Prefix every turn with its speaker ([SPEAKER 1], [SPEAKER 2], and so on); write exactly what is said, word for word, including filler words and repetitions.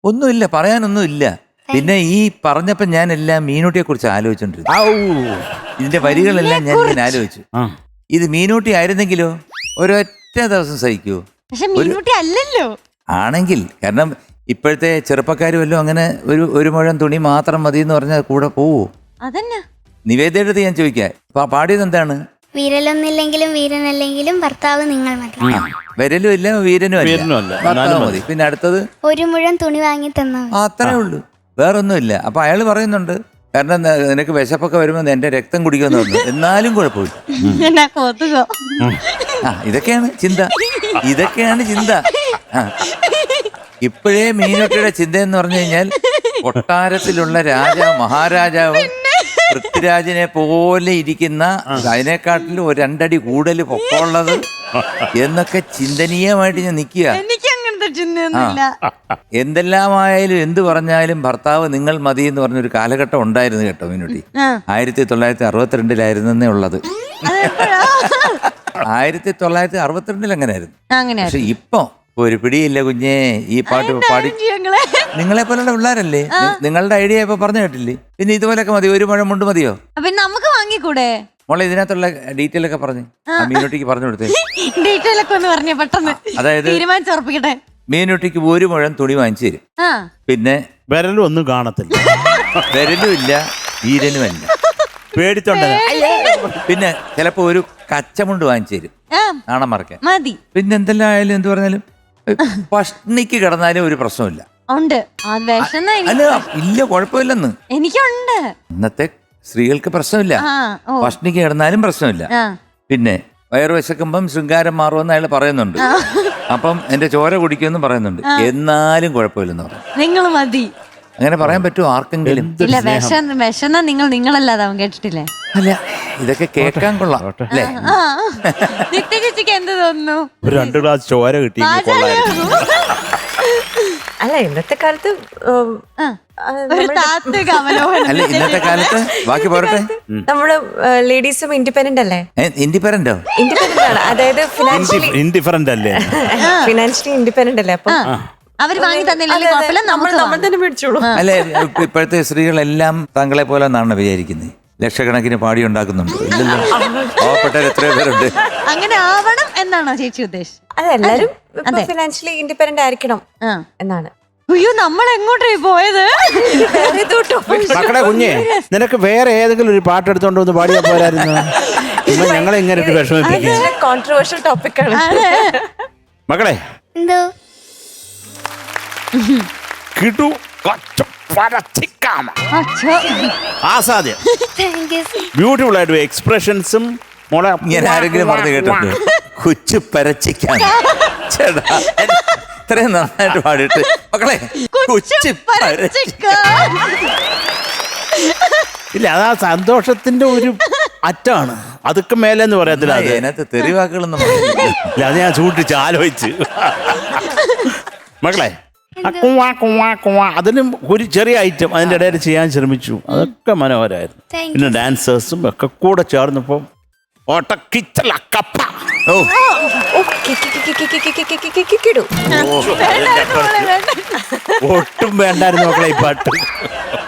[SPEAKER 1] ഒന്നുമില്ല, പറയാനൊന്നുമില്ല. പിന്നെ ഈ പറഞ്ഞപ്പോ ഞാൻ എല്ലാം മീനൂട്ടിയെ കുറിച്ച് ആലോചിച്ചോണ്ടിരുന്നു. ഇതിന്റെ വരികളെല്ലാം ഞാൻ ഇങ്ങനെ ആലോചിച്ചു. ഇത് മീനൂട്ടി ആയിരുന്നെങ്കിലോ ഒരൊറ്റ ദിവസം സഹിക്കൂ.
[SPEAKER 2] അല്ലല്ലോ
[SPEAKER 1] ആണെങ്കിൽ, കാരണം ഇപ്പോഴത്തെ ചെറുപ്പക്കാർ വല്ലതും അങ്ങനെ ഒരു ഒരു മുഴം തുണി മാത്രം മതി എന്ന് പറഞ്ഞാൽ കൂടെ പോവോ?
[SPEAKER 2] അതന്നെ
[SPEAKER 1] നിവേദയുടെ അടുത്ത് ഞാൻ ചോദിക്കാം, പാടിയത് എന്താണ്?
[SPEAKER 3] വീരലൊന്നില്ലെങ്കിലും വീരനല്ലെങ്കിലും ഭർത്താവ് നിങ്ങൾ മതി.
[SPEAKER 1] വരലും ഇല്ല വീരനും അല്ല, ഭർത്താവ് മതി. പിന്നെ അടുത്തത്
[SPEAKER 3] ഒരു മുഴം തുണി വാങ്ങി തന്നാ
[SPEAKER 1] അത്രേ ഉള്ളൂ, വേറൊന്നുമില്ല. അപ്പൊ അയാൾ പറയുന്നുണ്ട്, കാരണം നിനക്ക് വിശപ്പൊക്കെ വരുമ്പോ എന്റെ രക്തം കുടിക്കുമെന്ന് പറഞ്ഞു, എന്നാലും കുഴപ്പമില്ല. ആ ഇതൊക്കെയാണ് ചിന്ത, ഇതൊക്കെയാണ് ചിന്ത. ഇപ്പോഴേ മീനൂട്ടിയുടെ ചിന്ത എന്ന് പറഞ്ഞു കഴിഞ്ഞാൽ കൊട്ടാരത്തിലുള്ള രാജാവ് മഹാരാജാവ് പൃഥ്വിരാജിനെ പോലെ ഇരിക്കുന്ന, അതിനെക്കാട്ടിലും ഒരു രണ്ടടി കൂടുതൽ പൊക്കമുള്ളത് എന്നൊക്കെ ചിന്തനീയമായിട്ട് ഞാൻ നിൽക്കുക. എന്തെല്ലാമായാലും എന്ത് പറഞ്ഞാലും ഭർത്താവ് നിങ്ങൾ മതി എന്ന് പറഞ്ഞൊരു കാലഘട്ടം ഉണ്ടായിരുന്നു കേട്ടോ മീനൂട്ടി. ആയിരത്തി തൊള്ളായിരത്തി അറുപത്തിരണ്ടിലായിരുന്നേ ഉള്ളത്. ആയിരത്തി തൊള്ളായിരത്തി അറുപത്തിരണ്ടിൽ അങ്ങനെയായിരുന്നു. പക്ഷെ ഇപ്പൊ ഒരു പിടിയില്ല കുഞ്ഞേ. ഈ പാട്ട് പാടി നിങ്ങളെ പോലുള്ള പിള്ളേരല്ലേ, നിങ്ങളുടെ ഐഡിയ ഇപ്പൊ പറഞ്ഞു കേട്ടില്ലേ? പിന്നെ ഇതുപോലൊക്കെ മതി, ഒരു മുഴം മുണ്ട് മതിയോ?
[SPEAKER 2] നമുക്ക് വാങ്ങിക്കൂടെ
[SPEAKER 1] മോളെ? ഇതിനകത്തുള്ള ഡീറ്റെയിൽ ഒക്കെ പറഞ്ഞു മീനൂട്ടിക്ക് പറഞ്ഞു കൊടുത്തേ.
[SPEAKER 2] ഡീറ്റെയിൽ ഒക്കെ ഒന്ന് പറഞ്ഞേ പെട്ടെന്ന്.
[SPEAKER 1] അതായത്
[SPEAKER 2] തീരുമാനിച്ചുറപ്പിക്കട്ടെ.
[SPEAKER 1] മീനൂട്ടിക്ക് ഒരു മുഴം തുണി വാങ്ങിച്ചു തരും. പിന്നെ
[SPEAKER 4] വിരലും ഒന്നും കാണത്തില്ല,
[SPEAKER 1] വിരലും ഇല്ല വീരനും അല്ല,
[SPEAKER 4] പേടിച്ചോണ്ട.
[SPEAKER 1] പിന്നെ ചിലപ്പോ ഒരു കച്ചമുണ്ട് വാങ്ങിച്ചു തരും നാണം മറക്കാൻ
[SPEAKER 2] മതി.
[SPEAKER 1] പിന്നെ എന്തെല്ലാം ആയാലും എന്ത് പറഞ്ഞാലും പഷ്ണിക്ക് കിടന്നാലും ഒരു പ്രശ്നമില്ല.
[SPEAKER 2] ഉണ്ട്
[SPEAKER 1] അല്ല ഇല്ല, കുഴപ്പമില്ലെന്ന്.
[SPEAKER 2] എനിക്കുണ്ട്.
[SPEAKER 1] ഇന്നത്തെ സ്ത്രീകൾക്ക് പ്രശ്നമില്ല, പഷ്ണിക്ക് കിടന്നാലും പ്രശ്നമില്ല. പിന്നെ വയറു വിശക്കുമ്പം ശൃംഗാരം മാറുമെന്ന് അയാൾ പറയുന്നുണ്ട്. അപ്പം എന്റെ ചോര കുടിക്കുമെന്ന് പറയുന്നുണ്ട്. എന്നാലും കുഴപ്പമില്ലെന്ന് പറയും.
[SPEAKER 2] നിങ്ങൾ മതി.
[SPEAKER 1] അങ്ങനെ പറയാൻ പറ്റുമോ ആർക്കെങ്കിലും?
[SPEAKER 2] ഇല്ല, വിശന്ന നിങ്ങൾ നിങ്ങളല്ലാതെ അവൻ കേട്ടിട്ടില്ലേ?
[SPEAKER 1] അല്ല ഇതൊക്കെ കേൾക്കാൻ കൊള്ളാം അല്ലേ?
[SPEAKER 2] നിത്യചേച്ചിക്ക് എന്ത് തോന്നുന്നു?
[SPEAKER 4] ഒരു രണ്ട് ഗ്ലാസ് ചോര കിട്ടി.
[SPEAKER 5] അല്ല ഇന്നത്തെ കാലത്ത്
[SPEAKER 1] അല്ല ഇന്നത്തെ കാലത്ത് ബാക്കി പോരട്ടെ,
[SPEAKER 5] നമ്മള് ലേഡീസും ഇൻഡിപെൻഡന്റ് അല്ലേ?
[SPEAKER 1] ഇൻഡിപെൻഡന്റോ?
[SPEAKER 5] ഇൻഡിപെൻഡന്റ് ആണ്, അതായത് ഫിനാൻഷ്യലി
[SPEAKER 4] ഇൻഡിഫറന്റ് അല്ലേ?
[SPEAKER 5] ഫിനാൻഷ്യലി ഇൻഡിപെൻഡന്റ് അല്ലേ? അപ്പൊ
[SPEAKER 2] അവര് വാങ്ങി തന്നില്ലെങ്കിൽ
[SPEAKER 5] നമ്മൾ നമ്മൾ തന്നെ മേടിച്ചോളൂ.
[SPEAKER 1] അല്ലെ ഇപ്പോഴത്തെ സ്ത്രീകളെല്ലാം താങ്കളെ പോലെ എന്നാണ് വിചാരിക്കുന്നത്. ലക്ഷക്കണക്കിന് പാടി ഉണ്ടാക്കുന്നുണ്ട്. ഇല്ലല്ലോ, പാവപ്പെട്ടവർ എത്രയോ പേരുണ്ട്.
[SPEAKER 2] അങ്ങനെ ആവണം എന്നാണോ ചേച്ചി ഉദ്ദേശിച്ചത്?
[SPEAKER 5] അതെല്ലാരും ഫിനാൻഷ്യലി ഇൻഡിപെൻഡന്റ് ആയിരിക്കണം എന്നാണ്.
[SPEAKER 2] അയ്യോ, നമ്മൾ എങ്ങോട്ടായി പോയത്?
[SPEAKER 4] മക്കളെ കുഞ്ഞെ, നിനക്ക് വേറെ ഏതെങ്കിലും ഒരു പാട്ട് എടുത്തോണ്ട് വന്ന് പാടിയാ പോരായിരുന്നു? ഞങ്ങളെ ഇങ്ങനെ വിഷമിപ്പിക്കും.
[SPEAKER 5] കോൺട്രവേഴ്ഷ്യൽ ടോപ്പിക് ആണ്
[SPEAKER 4] മക്കളെ.
[SPEAKER 3] എന്തോ
[SPEAKER 4] കിട്ടു ബ്യൂട്ടിഫുൾ ആയിട്ട് എക്സ്പ്രഷൻസും മോളെ.
[SPEAKER 1] ഞാൻ ആരെങ്കിലും പറഞ്ഞു കേട്ടിട്ടുണ്ട് കൊച്ചു പരച്ചിക്കാൻ? ചേട്ടാ ഇത്രയും നന്നായിട്ട് പാടിയിട്ട് മക്കളെ കൊച്ചു പരച്ചിക്കാൻ.
[SPEAKER 4] ഇല്ല, അതാ സന്തോഷത്തിന്റെ ഒരു അറ്റാണ്. അതൊക്കെ മേലെന്ന് പറയത്തില്ല.
[SPEAKER 1] അതിനകത്ത് തെറിവാക്കുകളൊന്നും
[SPEAKER 4] ഇല്ല, അത് ഞാൻ സൂക്ഷിച്ച് ആലോചിച്ച്. മക്കളെ കുവാ കുവാ കുവാ അതിനും ഒരു ചെറിയ ഐറ്റം അതിൻ്റെ ഇടയിൽ ചെയ്യാൻ ശ്രമിച്ചു. അതൊക്കെ മനോഹരമായിരുന്നു. പിന്നെ ഡാൻസേഴ്സും ഒക്കെ കൂടെ ചേർന്നപ്പോ ഒട്ടും വേണ്ടായിരുന്നു മക്കളെ ഈ പാട്ട്.